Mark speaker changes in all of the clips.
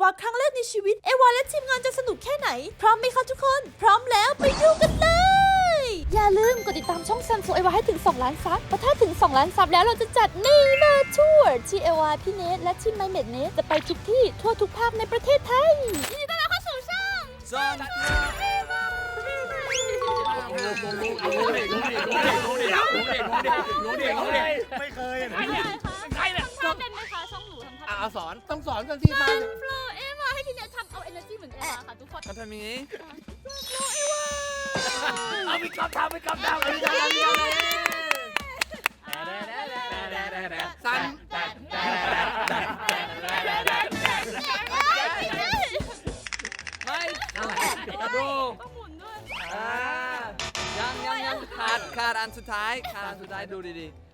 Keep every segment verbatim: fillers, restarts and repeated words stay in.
Speaker 1: าครั้งแรกในชีวิตเอวาและทีมงานจะสนุกแค่ไหนพร้อมไหมคะทุกคนพร้อมแล้วไปดูกันเลยอย่าลืมกดติดตามช่องซัมซุงเอวาให้ถึงสองล้านซับเพราะถ้าถึงสองล้านซับแล้วเราจะจัดนี่มาทัวร์ที่เอวาพี่เนทและทีมไมเมดเนทจะไปทุกที่ทั่วทุกภาคในประเทศไทยยินดีต้อนรับเข้าสู่ช่องซัมซุง
Speaker 2: รู้ดิรู้ดิรู้ดิรู้ดิรู้ดิรู้ดิรู้ดิรู้ดิไม่เคยใครเนี่ย
Speaker 1: ทำเป็นไหมคะช่องหนูทำท่า
Speaker 2: อ่าสอนต้องสอนกันที่มา
Speaker 1: โฟลเอวาให้พี่เนททำเอาเอเนอร์จีเหมือนเอวาค่ะทุกคน
Speaker 3: ทำแบบนี้
Speaker 1: โฟลเอวา
Speaker 2: เอาไปกำทำไปกำทำไปกำทำสัน
Speaker 3: ไม่ดูอ่ายังยังยังขาดขาดอันสุดท้ายขาดอันสุดท้ายดูดีๆ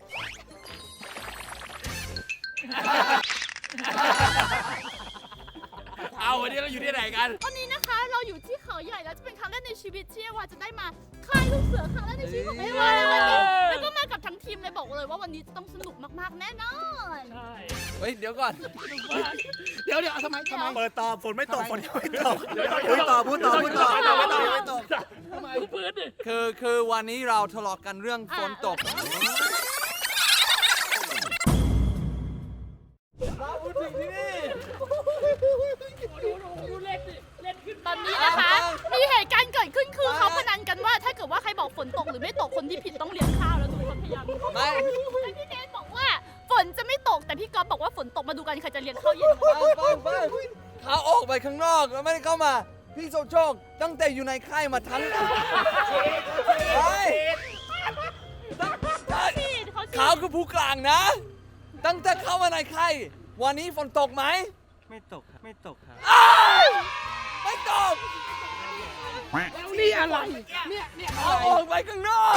Speaker 2: เอาวันนี้เราอยู่ที่ไหนกัน
Speaker 1: วันนี้นะคะเราอยู่ที่เขาใหญ่แล้วจะเป็นครั้งแรกในชีวิตที่เอวาจะได้มาค่ายลูกเสือครั้งแรกในชีวิตของเอวาเลยวันนี้แล้วก็มากับทั้งทีมเลยบอกเลยว่าวันนี้จะต้องสนุกมากๆแน่นอนใช่
Speaker 3: เฮ้ยเดี๋ยวก่อน
Speaker 2: เดี๋ยวเดี๋ยวทำไมทำไม
Speaker 4: เปิดตอบฝนไม่ตกฝนยังไม่ตกพูดต่อพูดต่อพูดต่อไม่ตกไม่ตกไม่ตก
Speaker 2: ทำไมพื้นดิ
Speaker 3: คือคือวันนี้เราทะเลาะกันเรื่องฝนตกเราพูดถึงที่นี่
Speaker 1: ตอนนี้นะคะมีเหตุการณ์เกิดขึ้นคือเขาพนันกันว่าถ้าเกิดว่าใครบอกฝนตกหรือไม่ตกคนที่ผิดต้องเลี้ยงข้าวแล้วทุกคนพยายาม
Speaker 3: ไม่
Speaker 1: แล้วพี่เนทบอกว่าฝนจะไม่ตกแต่พี่ก๊อฟบอกว่าฝนตกมาดูกันใครจะเลี้ยงข้าวเย็น
Speaker 3: ฟังฟังฟังเขาออกไปข้างนอกแล้วไม่ได้เข้ามาพี่โซโชคตั้งแต่อยู่ในค่ายมาทั้งไปเขาคือผู้กลางนะ ตั้งแต่เข้ามาในค่ายวันนี้ฝนตกไหม
Speaker 4: ไม่ตกครับไม่ตกครับ
Speaker 3: ไม่ตก
Speaker 2: แล้วนี่อะไรเนี่ยเนี่ย
Speaker 3: เขาออกไปข้างนอก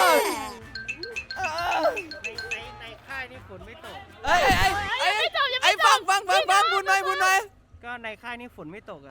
Speaker 4: ในในในค่ายนี่ฝนไม่ตก
Speaker 3: ไอ้ไอ้ไอ้ไอ้ฟังฟังฟังฟังบุญหน่อยบุญหน่อย
Speaker 4: ก็ในค่ายนี่ฝนไม่ตกอ่ะ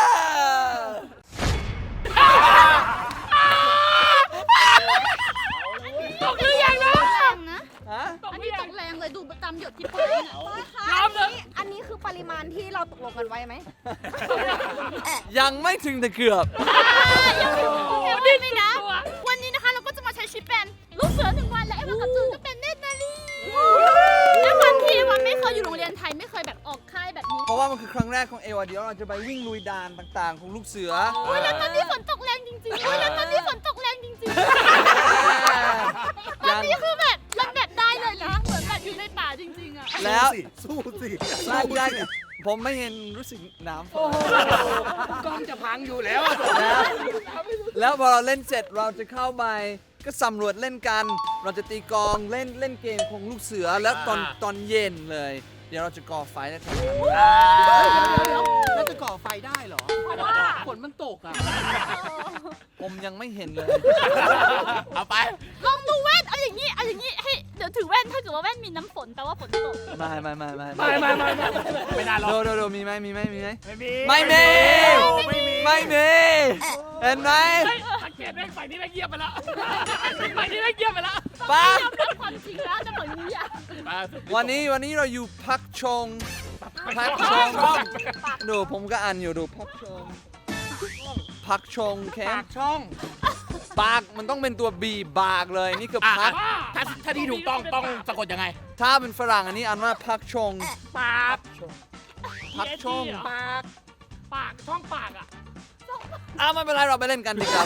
Speaker 1: ตกหรือยังนะนะ
Speaker 3: ฮะ
Speaker 1: อันนี้ตกแรงเลยดูตามหยดที่พื้นเนี่ย
Speaker 2: ยอมเลย
Speaker 5: อันนี้คือปริมาณที่เราตกลงกันไว้ไหม
Speaker 3: ยังไม่ถึงแต่เกือบ
Speaker 1: โอ้ดีเลยนะวันนี้นะคะเราก็จะมาใช้ชีวิตเป็นลูกเสือหนึ่งวันและเอวากับจูนก็เป็นเนตรนารีและวันที่วันไม่เคยอยู่โรงเรียนไทยไม่เคยแบบออกค่ายแบบนี้
Speaker 3: เพราะว่ามันคือครั้งแรกของเอวาเดี๋ยวเราจะไปวิ่งลุยดานต่างๆ ของลูกเสือ
Speaker 1: โอ้ยแล้วตอนนี้ฝนตกแรงจริงๆโอ้ยแล้วตอนนี้ฝนตกแรงจริงๆตอนนี้คือแบบมันแบบได้เลยนะเหมือนแบบอยู่ในป่าจริงๆอ่ะ
Speaker 3: แล้ว
Speaker 4: สู้สิ
Speaker 3: ได้ได้เนี่ยผมไม่เห็นรู้สึกหนาว
Speaker 2: กล้องจะพังอยู่แล้ว
Speaker 3: แล้วแล้วพอเราเล่นเสร็จเราจะเข้าไปก็สำรวจเล่นกัน เราจะตีกลองเล่นเล่นเกมของลูกเสือแล้วตอนตอนเย็นเลย เดี๋ยวเราจะก่อไฟแล้วทำงาน
Speaker 2: แล้วจะก่อไฟได้เหรอฝนมันตกอ่ะ
Speaker 3: ผมยังไม่เห็นเลย
Speaker 2: เอาไป
Speaker 1: ลองดูแว่นเอาอย่างนี้เอาอย่างนี้ให้เดี๋ยวถือแว่นถ้าเกิดว่าแว่นมีน้ำฝนแปลว่าฝนตก
Speaker 3: ไม่ไม่ไม่ไม่
Speaker 2: ไม่ไม่ไม่ไม่ไม่น่าหรอก
Speaker 3: โดโดโดมีไหมมีไหมมีไหม
Speaker 2: ไม่มี
Speaker 3: ไม่มีไม่มีเห็นไหม
Speaker 2: สังเกตได้ไฟนี้ไม่เงียบไปแล้วไฟนี้ไม่เงียบไปแล้ว
Speaker 3: ป้า
Speaker 1: ยอมรับความจริงแล้วจะบอกนี้อ่ะ
Speaker 3: วันนี้วันนี้เราอยู่พักชงพักชงดูผมก็อ่านอยู่ดูพักชงพักชงแค
Speaker 2: ปาม กช่อง
Speaker 3: ปากมันต้องเป็นตัวบีบากเลยนี่คือพัก
Speaker 2: ถ้าถ้าที่ถูกต้องต้องสะกดยังไง
Speaker 3: ถ้าเป็นฝรั่งอันนี้อ่านว่าพักชง
Speaker 2: ปาก
Speaker 3: พักชง
Speaker 2: ปาก ปากช่องปากอ่ะ
Speaker 3: อ้าวไม่เป็นไรเราไปเล่นกันดีกว่า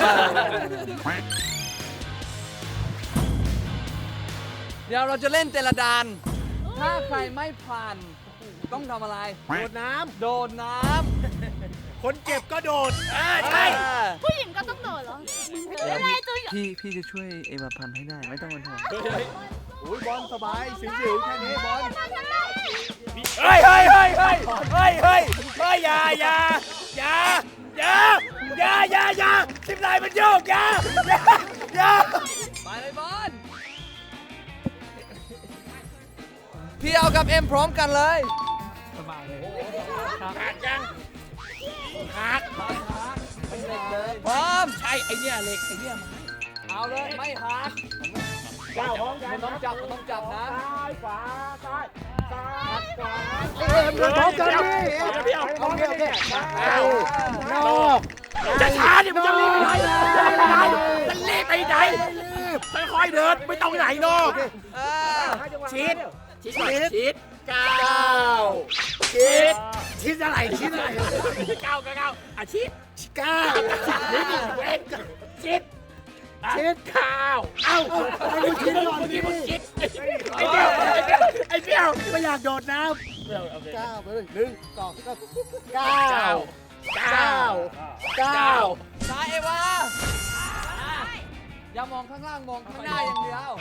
Speaker 3: เดี๋ยวเราจะเล่นแต่ละดานถ้าใครไม่ผ่านต้องทำอะไร
Speaker 4: โดดน้
Speaker 3: โดดน้
Speaker 4: ำคนเจ็บก็โดด
Speaker 3: ำใช่
Speaker 1: ผู้หญิงก็ต้องโดดเหรออะไรตัว
Speaker 3: พี่พี่จะช่วยเอวาพันให้ได้ไม่ต้องเป็นห่วง
Speaker 4: โอ้ยบอลสบายสิวๆแค่นี้บอล
Speaker 2: เฮ้ยเฮ้ยเฮ้ยเฮ้ยเฮ้ยเฮ้ยเฮ้ยอย่าอย่าอย่าอย่าอย่าอย่าอย่าสิบลายมันโยกอย่าอย่าอย่า
Speaker 3: ไปเลยบอลพี่เอากับเอ็มพร้อมกันเลย
Speaker 2: หักยังหัก
Speaker 3: พร้อม
Speaker 2: ใช่ไอเนี้ยเหล็กไอเนี้ยไม้
Speaker 3: เอาเลยไม่หัก
Speaker 2: ก้าวพร้อมกัน
Speaker 3: มันต้องจับมันต้องจับนะ
Speaker 2: ซ้ายขวาซ้ายซ้าย
Speaker 4: เดินพร้อมกันดิ
Speaker 2: เดี๋ยว
Speaker 4: โอเคโอเค
Speaker 2: นอกจะช้าดิมันจะรีบไปไหนจะรีบไปไหนค่อยๆเดินไม่ต้องไหนนอก
Speaker 3: เออ
Speaker 2: ชิดชิดชิดก้าวชิดชิดอะไรชิดอะไรก้าวก้าวอ่ะชิดก้าวชิดเว้นชิดชิดก้าวเอ้าไอ้ชิดก่อนดิชิดไอ้เบี้ยวไอ้เบี้ยวไม่อยากโดดน้ำ
Speaker 4: ก้าวไปเลยหนึ่งสองสาม
Speaker 2: ก้าวก้าวก้าว
Speaker 3: ซ้ายเอวาอย่ามองข้างล่างมองข้างหน้าอย่างเดียว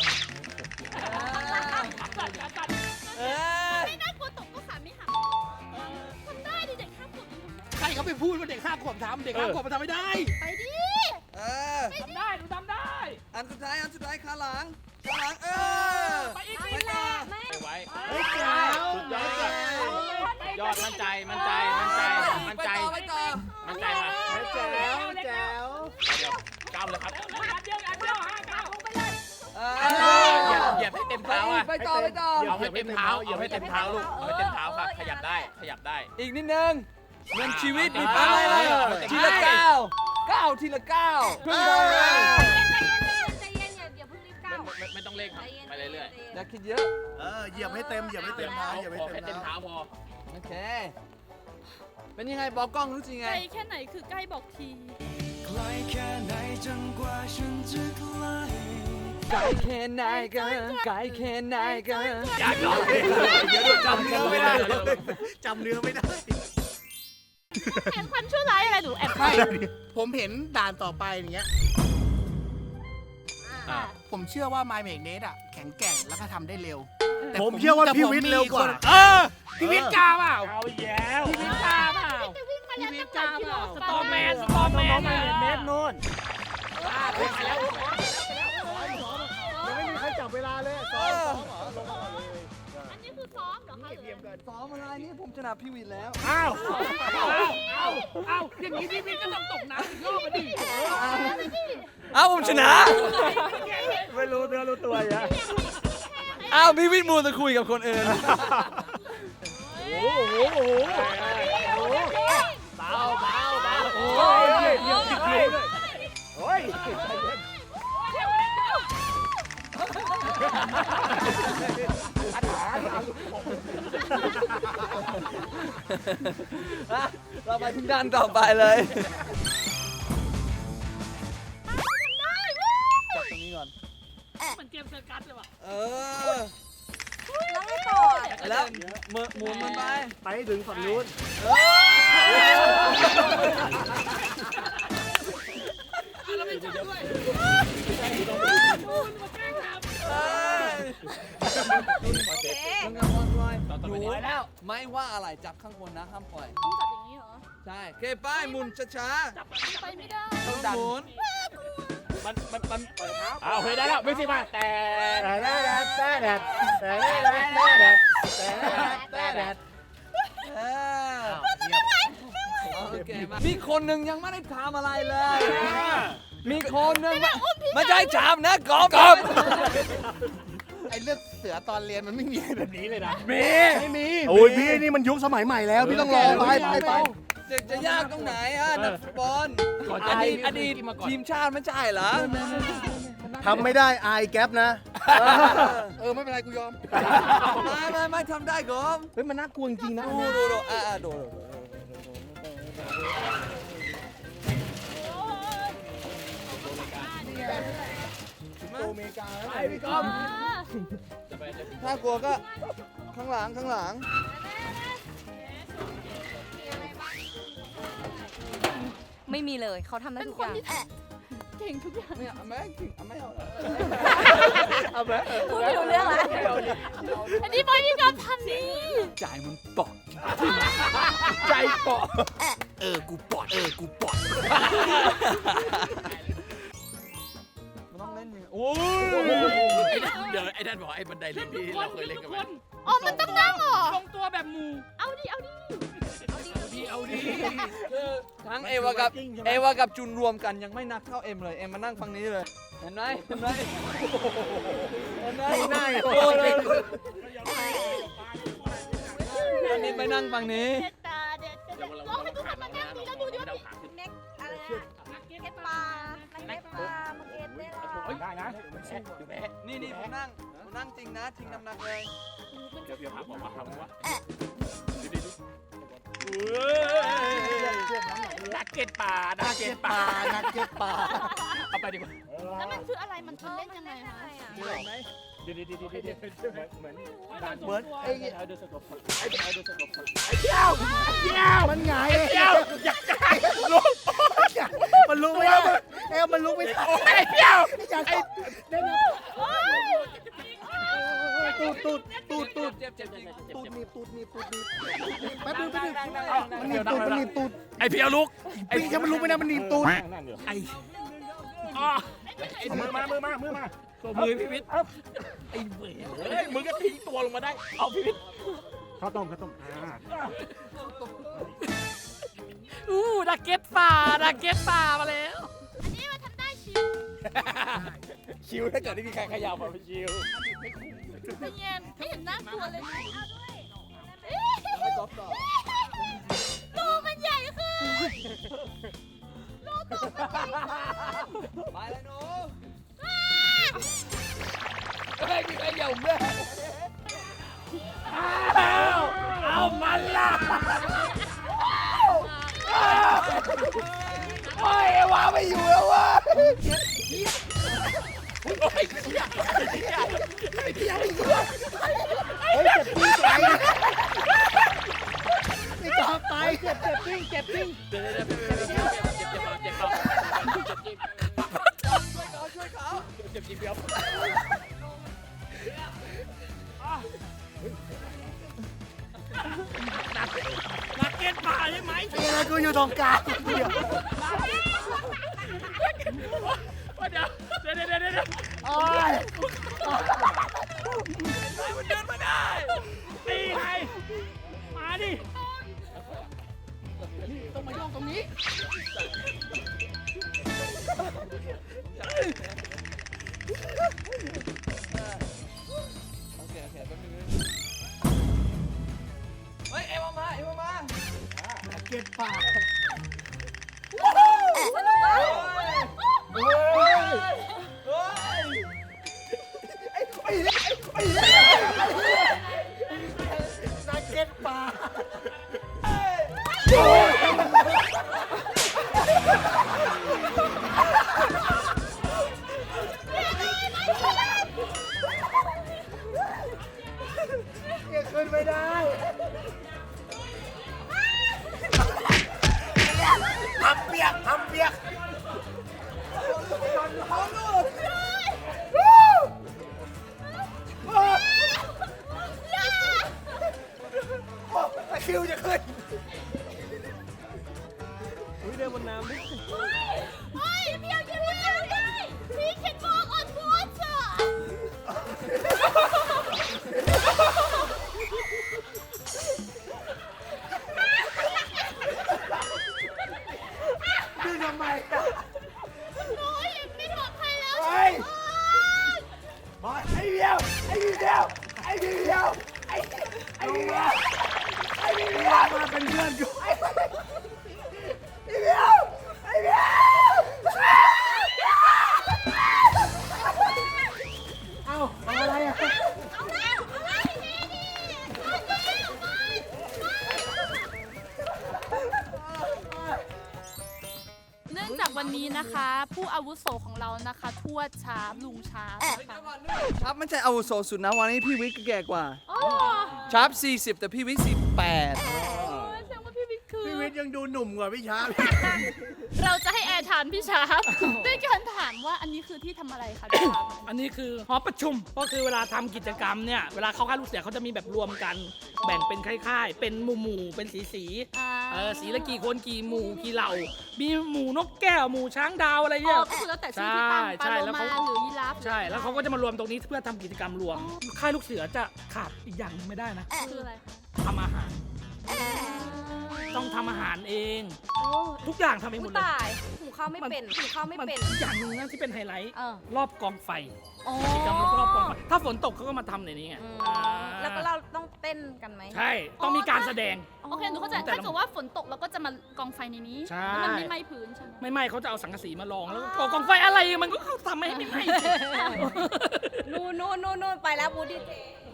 Speaker 3: เออ
Speaker 1: ไม่น่ากลัวตกก็ขาไม่หักทำได้ดิเด็กห้าขวบยังทำได้
Speaker 2: ใครเขาไปพูดว่าเด็กห้าขวบทำเด็กห้าขวบมันทำไม่ได้
Speaker 1: ไปดิ
Speaker 3: เออ
Speaker 2: ทำได้หนูทำได้
Speaker 3: อันสุดท้ายอันสุดท้ายขาหลังขาหลังเออ
Speaker 2: ไปอีก
Speaker 3: ไปต่อ
Speaker 6: ไว้
Speaker 2: เฮ้ยแจ๋ว
Speaker 6: สุดยอดยอดมั่นใจ มั่นใจ มั่นใจ มั่น
Speaker 3: ไป
Speaker 6: ใจ
Speaker 3: ต่อไปต่อ
Speaker 6: มั่นใจมา
Speaker 2: แจ๋วแจ๋ว
Speaker 6: ก้าวเลยครับ
Speaker 3: เอ
Speaker 6: เหยียบ
Speaker 3: อ
Speaker 6: เหยียบให้เต็มเท้าอ่ะ
Speaker 3: ไปต่อไปต่อ
Speaker 6: เอาให้เต็มเท้า เอาให้เต็มเท้าลูก เอาให้เต็มเท้าค่ะ ขยับได้ ขยับได้
Speaker 3: อีกนิดนึงเหมือนชีวิตมีเป้าหมายเลยทีละก้าวก้าวทีละก้าวเพิ่งทำเลย
Speaker 5: ใจเย็นอย่าอย่าเพิ่งรีบก้าว
Speaker 6: ไม่ไม่ต้องเร่งครับ ไปเรื่อย
Speaker 3: อย่าคิดเยอะ
Speaker 4: เออเหยียบให้เต็มเหยียบให้
Speaker 6: ๆ
Speaker 4: เต็มนะเหยียบให้
Speaker 6: ขอ
Speaker 4: เต็
Speaker 6: แค่
Speaker 4: ม
Speaker 6: เต็ม
Speaker 4: นะ
Speaker 6: เท้าพอ
Speaker 3: โอเค เป็นยังไงบอกกล้องรู้สึกยัง
Speaker 1: ไก
Speaker 3: ไง
Speaker 1: ลแค่ไหนคือใกล้บอกที
Speaker 3: ไกลแค่ไหนกันไกลแค่ไหนกัน
Speaker 2: อยากลองเลยเดี๋ยวจำเนื้อไม่ได้จำเนื้อไม่ได้
Speaker 1: เห็นความชั่วร้ายอะไรหนูแอบ
Speaker 2: ไม่ผมเห็นด่านต่อไปอย่างเงี้ย
Speaker 6: อ่า
Speaker 2: ผมเชื่อว่า My Make Net อ่ะแข็งแกร่งแล้วก็ทำได้เร็ว
Speaker 4: ผมเชื่อว่าพี่วิทย์เร็วกว่า
Speaker 2: เออพี่วิทย์กล้าเปล่าเอาแย่พี่วิทย์กล้าเปล่า
Speaker 1: จะวิ่งมาแล้วตั้งหลายกิโล
Speaker 2: สตอร์แมนสตอร์แมนเน็ตนู่น
Speaker 4: ยังไม่มีใครจับเวลาเลยซ้อมซ้อมเหรอลงมาก่อนเลย
Speaker 1: อันนี้คือซ้อมเหรอคะหรือ
Speaker 3: ซ้อมอะไรนี่ผมชนะพี่วินแล้ว
Speaker 2: อ้าวอ้าวอ้าวอ้าวอย่างนี้พี่วิทย์ก็ต้องตกน้ำอีกรอบมาดิ
Speaker 3: อ้าวผมชนะ
Speaker 4: ไม่รู้เนื้อรู้ตัวอย่า
Speaker 3: อ้าวพี่วินมูจะคุยกับคนอื่น
Speaker 2: โอ้โหโอ้โหโอ้โหเบาเบาเบาโอ้ยเดี๋ยวติดเลยโอ้ย
Speaker 3: เราไปถึงด้านต่อไปเลย จับตรงนี้ก่อน
Speaker 1: เหมือนเกมเซอร์กัสเลยว่ะ
Speaker 3: เออ
Speaker 5: แล้วไงต่อ
Speaker 3: แล้วหมุนหมุนมันไป
Speaker 4: ไปถึงฝั่งนู้น
Speaker 3: เอ้ย
Speaker 5: โอเค
Speaker 3: มึงเอาบอลปล่อย
Speaker 6: ต่อต่อ
Speaker 3: ห
Speaker 6: ไป
Speaker 3: นู
Speaker 6: นี้
Speaker 3: แล้วไม่ว่าอะไรจับข้างบนนะห้ามปล่อย
Speaker 1: ต้องจับอย่างนี้เหรอ
Speaker 3: ใช่โอเคไปหมุนช้า
Speaker 1: ไปไม่ได้
Speaker 3: ๆต้องหมุน
Speaker 6: มันมันมันเอาเฮ้ยได้แล้วไม่สิมาแต่
Speaker 4: แต่แดดแต่แดดแต่แดดแต่แดดแต่แดด
Speaker 3: เออโอเคมามีคนหนึ่งยังไม่ได้ทำอะไรเลย มีคนหนึ่งไม่ไม่ใช่ถามนะกอบกอบ
Speaker 2: ไอ้เรื่องเสือตอนเรียนมันไม่มีแบบนี้เลยนะ
Speaker 3: มี
Speaker 2: ไม่มี
Speaker 4: โอ้ยพี่นี่มันยุคสมัยใหม่แล้วพี่ต้องรอไปไปไป
Speaker 3: จะจะยากตรงไหนฮะนักฟุตบอลอดีตอดีตทีมชาติไม่ใช่เหรอ
Speaker 4: ทำไม่ได้อายแก๊ปนะ
Speaker 2: เออไม่เป็นไรกูยอม
Speaker 3: ไม่ไม่ไม่ทำได้กอบ
Speaker 2: เฮ้ยมันน่ากลัวจริงๆนะ
Speaker 3: ดูดูดูอ่าอ่าดูดูดู
Speaker 4: โอเมริกา
Speaker 2: ไปพี่กอม
Speaker 3: ถ้ากลัวก็ข้างหลังข้างหลัง
Speaker 5: ไม่มีเลยเขาทำได้
Speaker 1: เป็น
Speaker 5: ทุก
Speaker 1: ค
Speaker 5: อน ย่าง
Speaker 1: ที่เก่งทุกอย่าง
Speaker 3: ไม่เอาไม่เอาไม่เอา
Speaker 2: เอาไป
Speaker 5: พูดไม่รู้เรื่องละ
Speaker 1: อันนี้บอยพี่กอล์ฟทำนี่
Speaker 3: จ่ายมันปอก
Speaker 2: ใจเปาะเออกูปอดเออกูปอด
Speaker 3: มันต้องเล่นยังไงโอ้ย
Speaker 6: เดี๋ยวไอ้นั่นบอกไอ้บันไดเลื่อนที่เราเคยเล่นกันมา
Speaker 1: อ๋อ มันต้องนั่งเหรอ
Speaker 2: ลงตัวแบบมู
Speaker 1: เอาดิ เอาดิ
Speaker 2: ดีเอาดี
Speaker 3: คือทั้งเอวากับเอวากับจุนรวมกันยังไม่นักเท่าเอ็มเลย เอ็มมานั่งฝั่งนี้เลย เห็นไหมเห็นไหมเห็นไหม
Speaker 2: ง่าย
Speaker 3: โอ้ยอันนี้ไปนั่งฝั่งนี้
Speaker 1: เด็ดตาเด็ดเด็ดลองให้ทุกคนมานั่งดีแล้วดูดิว่า
Speaker 5: เน็กอะไรนะเก็ตปลาเก็ตปลามังเอ็ดได้หรอ
Speaker 6: ได้นะ
Speaker 3: นี่นี่ผมนั่งผมนั่งจริงนะทิ้งน้ำหนักเลย
Speaker 6: เดี๋ยวเดี๋ยวหาบอกว่าทำว่านักเก็ตป่านักเก็ตป่า
Speaker 2: นักเก็ตปลา
Speaker 6: เอาไปดีกว่า
Speaker 1: แล้วมันคืออะไรมันคือเล่นยังไงคะ
Speaker 6: เดี๋ยวเดี๋ยวเดี๋ยวเดี๋ยวเหมือนเหมือน
Speaker 2: เหมือนไอ้
Speaker 6: ไอ้เดือดสกปรกไอ้เดือดสกปรก
Speaker 2: เจ้าเจ้ามันไง
Speaker 6: เดี๋ยวอยากได้ลูก
Speaker 2: มันลุกไม่ได้เอ้มันลุกไม่ได้
Speaker 6: โอ้ยเดี๋ยว
Speaker 2: อยากตบได้ไหมตูดตูดตูดตูด
Speaker 3: เจ็บเจ็บเจ็บเจ็บ
Speaker 2: ตูดหนีบตูดหนีบตูดหนีบแป๊บนึงแป๊บนึงมันหนีบตูดมันหนีบตูด
Speaker 6: ไอ้เพียวลุก
Speaker 2: ปีถ้ามันลุกไม่ได้มันหนีบตูด
Speaker 6: ไอ้อ๋อไอ้มือมามือมามือมาตัวมือพี่วิทย์ไอ้เว้ยมึงก็ทิ้งตัวลงมาได้เอาพี่วิทย์
Speaker 4: ข้าวต้มข้าวต้มอ่า
Speaker 6: อู้ดักเก็ตป่าดักเก็ตป่ามาแล้ว
Speaker 1: อันนี้มันทำได้ชิว
Speaker 6: ชิวถ้าเกิดไม่มีใครขยับมาเป็นชิว
Speaker 1: ไม่เย็นไม่เห็นน่ากลัวเลยตัวมันใหญ่ขึ้น
Speaker 3: ไปเลยหนู
Speaker 6: เฮ้ยมีใครเหย่าด้วยอ้าวเอามันล่ะโอ้ยวาไม่อยู่แล้ววะโอ้ยเหี้ยเหี้ยไอ้เหี้ยไอ้เหี้ย
Speaker 2: เฮ้ยเจ็บปิ้งไปไม่ต่อไปเจ็บเจ็บปิ้งเจ็บปิ้ง
Speaker 6: เดี๋ยวเดี๋ยวเดี๋ยวเดี๋ยวเจ็บเจ็บเจ็บเจ็บเจ็บเจ็บ
Speaker 3: ช่วยเขาช่วยเขา
Speaker 6: เจ็บจีบเดียวนักเก็ตป่าใช่ไหม
Speaker 2: ไอ้อะไรกูอยู่ตรงกลางเดี๋ยว
Speaker 6: เดี๋ยวเดี๋ยวเดี๋ยวเดี๋ยวเดี๋ยว
Speaker 2: โอ้ย
Speaker 6: มันเดินมาได้ตีไงมาดิ
Speaker 2: ต้องมาย่องตรงนี้
Speaker 3: โอเคโอเคแป๊บนึงเฮ้ยเอ็มมาเอ็มมา
Speaker 2: เก็บปาก
Speaker 3: เฮ้ย
Speaker 2: นักเก็ตปลาเก็บขึ้นไม่ได้ทำเปียกทำเปียกตะคริวจะขึ้น
Speaker 6: เดินบนน้ำดิ
Speaker 1: เฮ้ยพี่เอากินไม่ได้พี่เขียนบอกอดวอเตอร์
Speaker 2: ดึงทำไม
Speaker 1: โอ้ยไม่ปลอดภัยแล้ว
Speaker 2: เฮ้ยบอยไอ้เดียวไอ้เดียวไอ้เดียวไอ้ไอ้เดียวไอ้เดียวมาเป็นเพื่อนกูไอ้เดียวไอ้เดียวเอาเอาอะไรอ่ะ
Speaker 1: เอาแล้วเอาแล้วนี่นี่เอาแล้วไปเนื่องจากวันนี้นะคะ ผู้อาวุโสของเรานะคะทวดชาร์ปลุงชาร์ปนะคะ
Speaker 3: ชาร์ปไม่ใช่อาวุโสสุดนะวันนี้พี่วิกก็แก่กว่า
Speaker 1: อ๋อ
Speaker 3: ชาร์ปสี่สิบแต่พี่วิกสิบแปด
Speaker 1: แสดงว่าพี่วิทย์คือ
Speaker 2: พี่วิทย์ยังดูหนุ่มกว่าพี่ช้า
Speaker 1: เราจะให้แอร์ถามพี่ชาร์ปด้วยการถามว่าอันนี้คือที่ทำอะไรคะพี่ชาร์ป
Speaker 7: อันนี้คือหอประชุมก็คือเวลาทำกิจกรรมเนี่ยเวลาเข้าค่ายลูกเสือเขาจะมีแบบรวมกัน แบ่งเป็นค่ายๆเป็นหมู่หมู่ๆเป็นสีสีๆ
Speaker 1: อ่า
Speaker 7: เออสีละกี่คนกี่หมู่กี่เหล่า มีหมู่นกแก้วหมู่ช้างดาวอะไร
Speaker 1: อ๋
Speaker 7: เนี่
Speaker 1: อย ก็คือแล้วแต่ชื่อที่ตั้งป
Speaker 7: ใช่
Speaker 1: ลา
Speaker 7: ใช่
Speaker 1: โล
Speaker 7: แล้ว
Speaker 1: มา
Speaker 7: เขา
Speaker 1: หรือยีราฟ
Speaker 7: ใช่แล้วเขาก็จะมารวมตรงนี้เพื่อทำกิจกรรมรวม ค่ายลูกเสือจะขาดอีกอย่างหนึ่งไม่ได้นะ
Speaker 1: คืออะไรคะ
Speaker 7: ทำอาหาร
Speaker 1: อ่า
Speaker 7: ต้องทำอาหารเอง
Speaker 5: โอ้
Speaker 7: ทุกอย่างทำเองหม
Speaker 5: ผู้
Speaker 7: ดเลย
Speaker 5: ตายหุงข้าวไม่เป็นหุงข้าวไม่
Speaker 7: มัน
Speaker 5: เป็น
Speaker 7: อย่างหนึงนะที่เป็นไฮไลท์
Speaker 5: เออ
Speaker 7: รอบกองไฟ
Speaker 5: อ๋อ
Speaker 7: กิจกรรมรอบกองไฟถ้าฝนตกเขาก็มาทำในนี้ไง
Speaker 5: อืม
Speaker 7: อ่า
Speaker 5: แล้วก็เราต้องเต้นกันไหม
Speaker 7: ใช่ต้องมีการแสดง
Speaker 1: โอเคหนูเข้าใจ
Speaker 7: แต่ละ
Speaker 1: ถ้าเกิดว่าฝนตกเราก็จะมากองไฟในนี้
Speaker 7: ใช่
Speaker 1: แล้วมันไม่ไหม้พื้นใช่ไหม
Speaker 7: ไม่ไหม้เขาจะเอาสังกะสีมาลองแล้วก็กองไฟอะไรมันก็ทำให้ไม่ไหม้สิ
Speaker 5: นู่นนู่นนู่นนู่นไปแล้วบูดี้เจ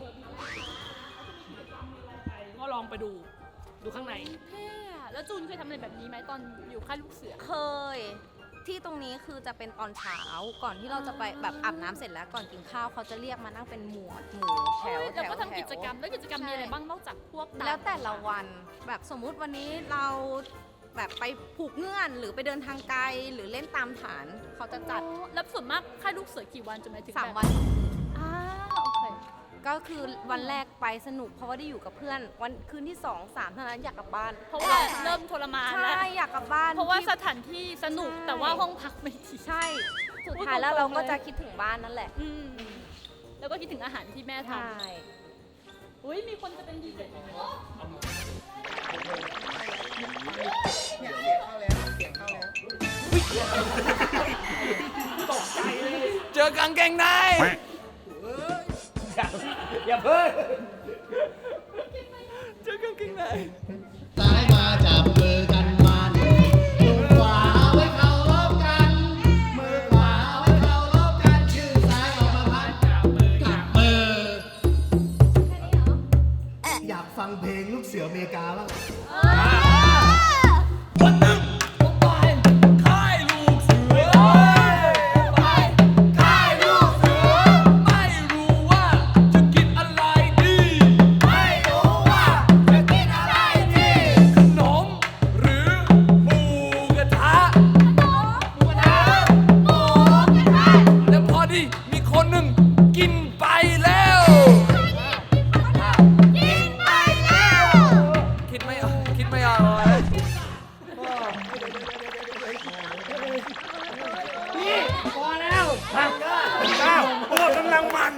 Speaker 7: ก็ลองไปดู ดูข้างใน
Speaker 1: เท่อะแล้วจูนเคยทำอะไรแบบนี้ไหมตอนอยู่ค่ายลูกเสือ
Speaker 5: เคย ที่ตรงนี้คือจะเป็นตอนเช้าก่อนที่เราจะไปแบบอาบน้ำเสร็จแล้วก่อนกินข้าวเขาจะเรียกมานั่งเป็นหมวดหมู่แถว
Speaker 1: เฮ้ย
Speaker 5: แถ
Speaker 1: แล้ว
Speaker 5: ว
Speaker 1: ก็ทำ
Speaker 5: แถว
Speaker 1: กิจกรรม แล้วกิจกรรมมีอะไรบ้างนอกจากพวกตาม
Speaker 5: แล้วแต่ละวันแบบสมมุติวันนี้เราแบบไปผูกเงื่อนหรือไปเดินทางไกลหรือเล่นตามฐานเขาจะจัด
Speaker 1: อ๋อแล้วส่วนมากค่ายลูกเสือกี่วันจะหมายถึง
Speaker 5: สาม
Speaker 1: แบบ
Speaker 5: วันสองคืน
Speaker 1: อ่าโอเค
Speaker 5: ก็คือวันแรกไปสนุกเพราะว่าได้อยู่กับเพื่อน วันคืนที่สองสามเท่านั้นอยากกลับบ้าน
Speaker 1: เพราะว่าเริ่มทรมานแล้ว
Speaker 5: ใช่อยากกลับบ้าน
Speaker 1: เพราะว่า
Speaker 5: ที่
Speaker 1: สถานที่สนุก
Speaker 5: ใช่
Speaker 1: แต่ว่าห้องพักไม่ดี
Speaker 5: ใช่สุด
Speaker 1: พูด
Speaker 5: ท้ายแล้ว
Speaker 1: ตรงๆ
Speaker 5: เราก็
Speaker 1: เลย
Speaker 5: จะคิดถึงบ้านนั่นแหละ
Speaker 1: อืมแล้วก็คิดถึงอาหารที่แม่ท
Speaker 5: ใช่
Speaker 1: ำอุ้ยมีคนจะเป็นดีเจ
Speaker 3: เจอกางเกงใน
Speaker 6: อย่าเพิ่ง
Speaker 3: เจอกางเกงใน
Speaker 8: ซ้ายมาจับมือกันมันมือขวาไว้เคารพกัน มือขวาไว้เคารพกัน ชื่อซ้ายออกมาพันจับมือจับมือ อยากฟังเพลงลูกเสืออเมริกาบ้าง
Speaker 3: วันหนึ่งผมไปค่ายลูกเสือไปค่ายลูกเสือ ไม่รู้ว่าจะกินอะไรดี ไม่รู้ว่าจะกินอะไรดี ขนมหรือหมูกระทะหมูกระทะหมูกระทะแล้วพอดีมีคนหนึ่งกินไปแล้วกินไปแล้วคิดไม่ออกคิดไม่ออกเลย
Speaker 6: พอแล้วพักเก้าพวกกำลังมัน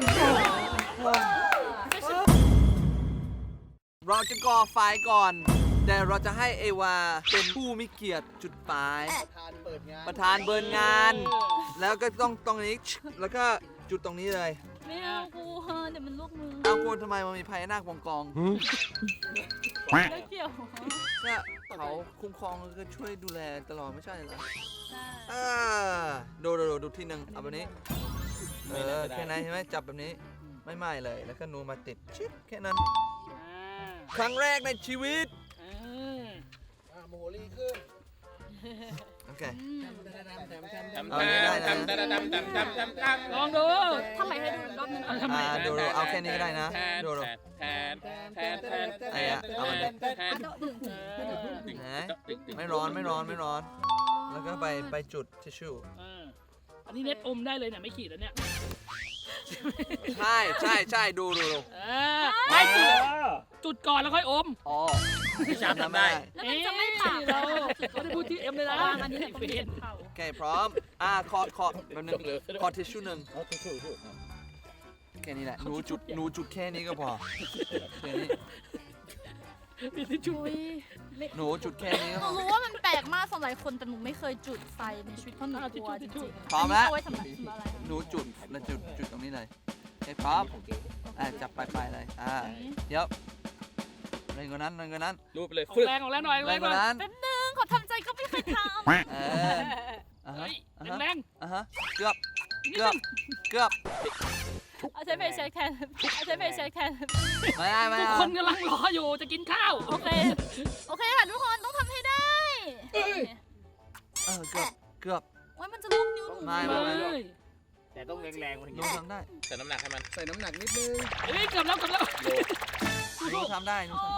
Speaker 3: เราจะก่อไฟก่อน แต่เราจะให้เอวาเป็นผู้มีเกียรติจุดไฟ
Speaker 8: ทานเปิดงาน
Speaker 3: ประธานเบิร์นงาน แล้วก็ต้องตรงนี้ แล้วก็จุดตรงนี้เลย
Speaker 1: ไม่เอากูเดี๋ยวมันลูกมือ
Speaker 3: เอาคุณทำไมมันมีพญานาควงกอง
Speaker 1: แล้วเกี่ยว
Speaker 3: เนี่ยเขาคุ้มครองก็ช่วยดูแลตลอดไม่ใช่เหรอเออดูดูดูดูที่หนึ่งเอาแบบนี้ เออแค่นั้นใช่ไหมจับแบบนี้ ไม่ไหม้เลย แล้วก็นูมาติดชิดแค่นั้น ครั้งแรกในชีวิต
Speaker 8: โมโหลีขึ้น
Speaker 3: โอเค
Speaker 6: ทำ
Speaker 3: เอาอันนี้ได้นะ
Speaker 6: ทำทำทำทำทำทำทำ
Speaker 7: ลองดู
Speaker 1: ทำไมให้ดูอีกรอบนึง
Speaker 7: เอาทำไม
Speaker 3: อ่าดูดูเอาแค่นี้ก็ได้นะ
Speaker 6: แทน
Speaker 3: ดูดู
Speaker 6: แทนแทนแทน
Speaker 3: ไอ้อะเอามันดิ
Speaker 6: แทน
Speaker 3: นะไม่ร้อนไม่ร้อนไม่ร้อน แล้วก็ไปไปจุดทิชชู่
Speaker 7: เอออันนี้เน็ตอมได้เลยเนี่ยไม่ขีดแล้วเนี่ย
Speaker 3: ใช่ใช่ใช่ดูดูดู
Speaker 7: เออไม่จุดจุดก่อนแล้วค่อยอม
Speaker 3: อ๋อ
Speaker 6: จำทำได้
Speaker 1: แล้วมันจะไม่ปาก
Speaker 7: เราเขาได้พูดที่เอ็มเลยนะ
Speaker 1: อันนี้
Speaker 7: ไอ้
Speaker 1: เรา
Speaker 7: เฟ
Speaker 1: เห็
Speaker 7: น
Speaker 1: นเขา
Speaker 3: โอเคพร้อม อ่าคอร์ดคอร์ดแบบนึงคอร์ดทิชชู่หนึ่งแค่นี้แหละหนูจุดหนูจุดแค่นี้ก็พอแค่นี้
Speaker 7: มีทิชชู่
Speaker 1: อุ้ย
Speaker 3: หนูจุดแค่นี้ก็
Speaker 1: ห
Speaker 3: พ
Speaker 1: นู
Speaker 3: อ
Speaker 1: รู้ว่ามันแปลกมากสำหรับหลายคนแต่หนูไม่เคยจุดไฟในชีวิตเพราะหนูกลัวจริงๆ
Speaker 3: พร้อมแล้ว
Speaker 1: นนี้เอาไว้ทำอะไรทำอะไร
Speaker 3: หนูจุดแล้วจุดจุดตรงนี้เลยโอเคพร้อมอ่าจับปลายปลายๆเลยอ่าเดี๋ยวแรงกว่านั้นแรงกว่านั้น
Speaker 6: รูปไปเลย
Speaker 7: ออก
Speaker 6: ฟึด
Speaker 7: แรงออกแรงหน่อย
Speaker 3: แรงกว่านั้น
Speaker 1: แป๊บนึงขอทำใจก็ไม่เคยท
Speaker 3: เอออ่าฮะ
Speaker 7: เฮ้ย
Speaker 3: อ่าฮะ
Speaker 7: แรง
Speaker 3: อ่าฮะเกือบเกือบเกือบ
Speaker 1: ำเอาใช้ไฟแช็กแทนเอาใช้ไฟแช็กแทน
Speaker 3: ไม่ได้ไม่
Speaker 7: ทุก
Speaker 3: ได้
Speaker 7: คนกำลังรออยู่จะกินข้าว
Speaker 1: โอเค โอเคค่ะทุกคนต้องทำให้ได้
Speaker 3: เออเกือบเกือบ
Speaker 1: โอ้ยมันจะลูกนิ้วหนู
Speaker 3: ไม่
Speaker 7: เฮ
Speaker 3: ไม่
Speaker 7: ้ย
Speaker 6: แต่ต้องแรงๆกว่า
Speaker 3: ห
Speaker 6: นี้
Speaker 3: นูทำได้
Speaker 6: ใส่น้ำหนักให้มัน
Speaker 8: ใส่น้ำหนักนิดนึง
Speaker 7: เฮ้ยเกือบแล้วเกือบแล้ว
Speaker 3: หนูทำได้หนู
Speaker 1: โอ้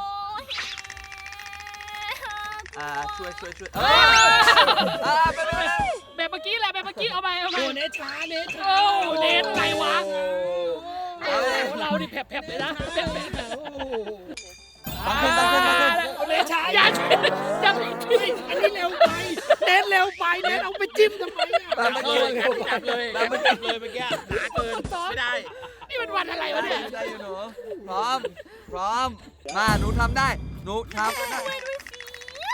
Speaker 3: ทำ
Speaker 1: ย
Speaker 3: อ่าช่วยช่วยช่วย
Speaker 7: เอ
Speaker 3: เอ้ย
Speaker 7: อ
Speaker 3: อ่าไปไปไป
Speaker 7: แบบเมื่อกี้แหละแบบเมื่อกี้เอาไปเอาไป
Speaker 6: โอ้เนช้าเนช้า
Speaker 7: โอ้เน็ตไงวะ
Speaker 3: เอ้ย
Speaker 7: เราดิแผลบๆเลยนะแผลบๆ
Speaker 3: ตั้งขึ้นตั้งขึ้นตั้งขึ้น
Speaker 6: เอาเนช้า
Speaker 7: อย่าช่วยอย่าไปช่วย
Speaker 6: อันนี้เร็วไปเน้นเร็วไปเน้นเอาไปจิ้มทำไมอ่ะ
Speaker 3: ตามเมื่อกี้
Speaker 6: จับเลยจับเลยเมื่อกี้หนาเกินไม่ได้
Speaker 7: นี่มันวันอะไรวะเนี่ย
Speaker 3: ได้อยู่หนูพร้อมพร้อมมาหนูทำได้หนูทำได้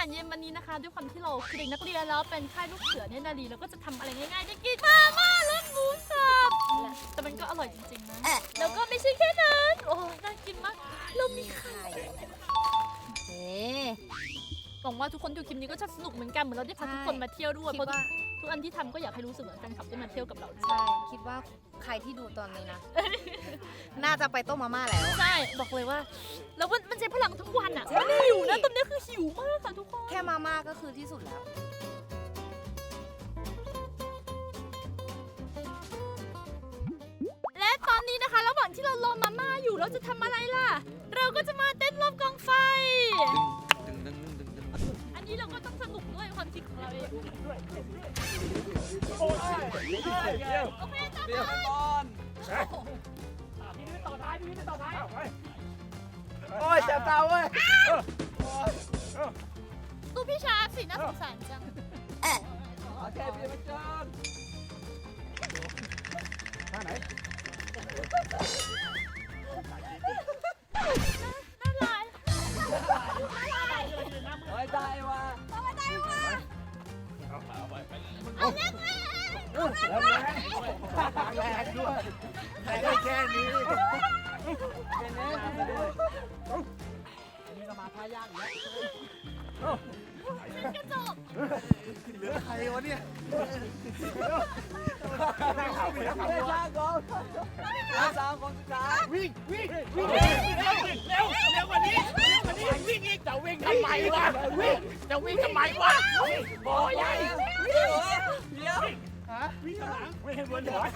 Speaker 1: ารเย็นวันนี้นะคะด้วยความที่เราคือเด็กนักเรียนแล้วเป็นค่ายลูกเสือเนี่ยนาลีเราก็จะทำอะไรง่ายๆได้กินมาม่ารสหมูสับแต่มันก็อร่อยจริงๆนะแล้วก็ไม่ใช่แค่นั้นโอ้น่ากินมากเรามีไข่เอ๊หวังว่าทุกคนดูคลิปนี้ก็จะสนุกเหมือนกันเหมือนเราได้พาทุกคนมาเที่ยวด้วยเพราะทุกอันที่ทำก็อยากให้รู้สึกเหมือนแฟนคลับได้มาเที่ยวกับเราด้วย
Speaker 5: ใช่คิดว่าใครที่ดูตอนนี้นะ น่าจะไปต้มมาม่าแล้ว
Speaker 1: ใช่บอกเลยว่าแล้วมันมันใช้พลังทุกวันอ่ะมันหิวนะตอนนี้คือหิวมากค่ะทุกคน
Speaker 5: แค่มาม่าก็คือที่สุดแล้ว
Speaker 1: และตอนนี้นะคะระหว่างที่เรารอมาม่าอยู่เราจะทำอะไรล่ะ เราก็จะมาเต้นรอบกองไฟ อันนี้เราก็ต้องสนุกด้วยความคิดของเราเองโอเคจ้า
Speaker 3: เดี๋ยวก่อน
Speaker 6: พี่นี่ต่อท้ายพี่นี่ต่อท้าย
Speaker 4: โอ้ยเจ็บตาเว้ย
Speaker 1: ดูพี่ชาสิน่าสงสารจัง
Speaker 3: โอเคพี่มาจอน
Speaker 4: ท่าไหน
Speaker 1: น่ารัก
Speaker 3: โอ้ยได้ว่ะ
Speaker 4: แรงแรงด้วยใครได้แค่นี้นี่ก็มาท่ายากอีกแล้ว
Speaker 1: กระจก
Speaker 4: เหลือใครวะเนี่ย
Speaker 3: ไม่ช้าก่อนสามคนสุดท้าย
Speaker 4: วิ่งวิ่ง
Speaker 6: วิ่งเร็วเร็วเร็วกว่านี้เร็วกว่านี้วิ่งอีกจะวิ่งทำไมวะวิ่งจะวิ่งทำไมวะบอใหญ่
Speaker 3: เดี๋ยวเดี๋ยว
Speaker 6: วิ่งข้างหลังไม่เห็นบนหัว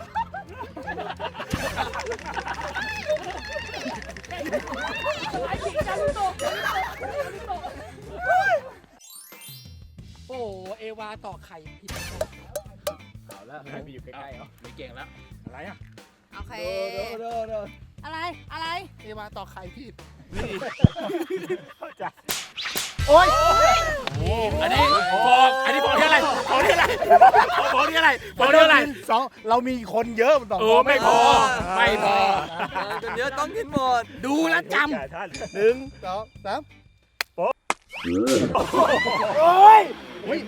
Speaker 2: โอ้เอวาต่อไข่ผิด
Speaker 4: เอาแล้วใครไปอยู่ใกล้ๆเหรอ
Speaker 6: ไม่เก่งแล้ว
Speaker 4: อะไรอ่ะ
Speaker 5: โอเค
Speaker 4: เด้อเด้อเด้อ
Speaker 5: อะไร อะไร
Speaker 2: เอวาต่อไข่ผิด
Speaker 4: เข้าใจโอ้ย
Speaker 6: อันนี้บอกอันนี้บอกที่อะไรบอกที่อะไรบอกที่อะไรบอกที่อะไร
Speaker 4: สองเรามีคนเยอะมันต้อง
Speaker 6: เออไม่พอไม่พอ
Speaker 3: จนเยอะต้องกินหมด
Speaker 6: ดูแล้วจ
Speaker 4: หนึ่งสองสาม
Speaker 6: ำโอ้ย
Speaker 4: วิ่ง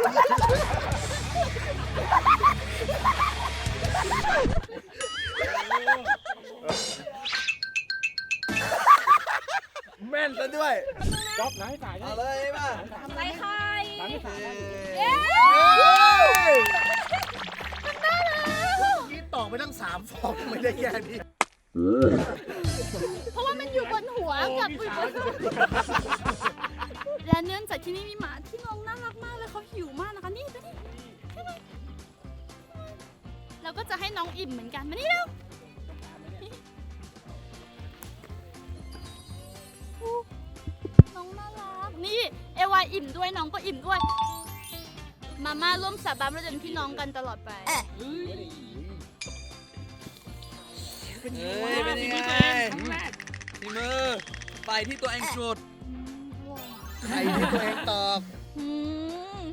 Speaker 3: แม่นซะด้วย
Speaker 4: จ๊อบไหนถ่าย
Speaker 3: เอาเลยป่ะ
Speaker 1: ทำไรใคร
Speaker 4: หลังไม่ถ่าย
Speaker 1: เย้
Speaker 2: นี่ต่อไปตั้งสามฟองไม่ได้แค่นี้
Speaker 1: เพราะว่ามันอยู่บนหัวกับอุ้ยบนและเนื่องจากที่นี่มีหมาที่น้องน่ารักมากเลยเขาหิวมากนะคะนี่ดูนี่เราก็จะให้น้องอิ่มเหมือนกันมานี่เร็วน้องน่ารักนี่เอวาอิ่มด้วยน้องก็อิ่มด้วยมาม่าร่วมสาบานว่าจะเป็นพี่น้องกันตลอดไป
Speaker 3: เฮ้ยเป็นยังไงที่มือไปที่ตัวเองสุด
Speaker 2: ไข่ที่ตัวเองตอก
Speaker 1: อืม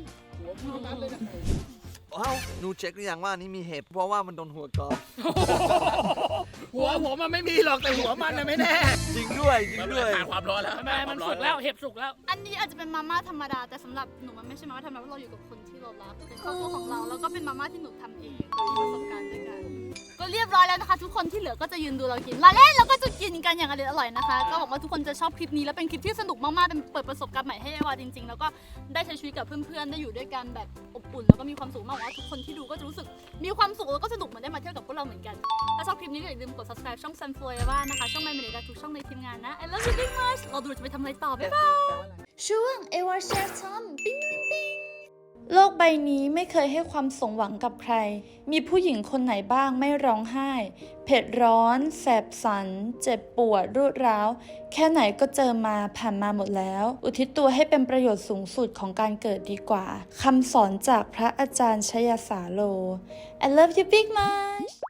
Speaker 3: ว้าวหนูเช็คหรือยังว่านี่มีเห็บเพราะว่ามันโดนหัวกอล์ฟ
Speaker 2: หัวผมมันไม่มีหรอกแต่หัวมันน่ะไม่แน่
Speaker 3: จริงด้วยจริงด้วย
Speaker 6: ขาดความร้อนแล้ว
Speaker 7: ทำไมมันสุกแล้วเห็บสุกแล้ว
Speaker 1: อันนี้อาจจะเป็นมาม่าธรรมดาแต่สำหรับหนูมันไม่ใช่มาม่าธรรมดาเพราะเราอยู่กับคนที่เรารักเป็นครอบครัวของเราแล้วก็เป็นมาม่าที่หนูทำเองมีประสบการณ์ด้วยกันก็เรียบร้อยแล้วนะคะ ทุกคนที่เหลือก็จะยืนดูเรากินมาเล่นแล้วก็จะกินกันอย่างอร่อยๆนะคะ ก็หวังว่าทุกคนจะชอบคลิปนี้และเป็นคลิปที่สนุกมากๆเป็นเปิดประสบการณ์ใหม่ให้เอวาจริงๆแล้วก็ได้ใช้ชีวิตกับเพื่อนๆได้อยู่ด้วยกันแบบอบอุ่นแล้วก็มีความสุขมากหวังว่าทุกคนที่ดูก็จะรู้สึกมีความสุขแล้วก็สนุกเหมือนได้มาเที่ยวกับพวกเราเหมือนกันถ้าชอบคลิปนี้ก็อย่าลืมกด subscribe ช่อง Sunflower นะคะช่อง My Minute ทุกช่องในทีมงานนะ I love you very much เราดูจะไปทำอะไรต่อบ๊ายบายช่วงเอวาแชร์ทอมปิ้งปิ้งปิ้งโลกใบนี้ไม่เคยให้ความสมหวังกับใคร มีผู้หญิงคนไหนบ้างไม่ร้องไห้ เผ็ดร้อน แสบสัน เจ็บปวดรุดร้าว แค่ไหนก็เจอมาผ่านมาหมดแล้ว อุทิศตัวให้เป็นประโยชน์สูงสุดของการเกิดดีกว่า คำสอนจากพระอาจารย์ชยสาโล I love you big much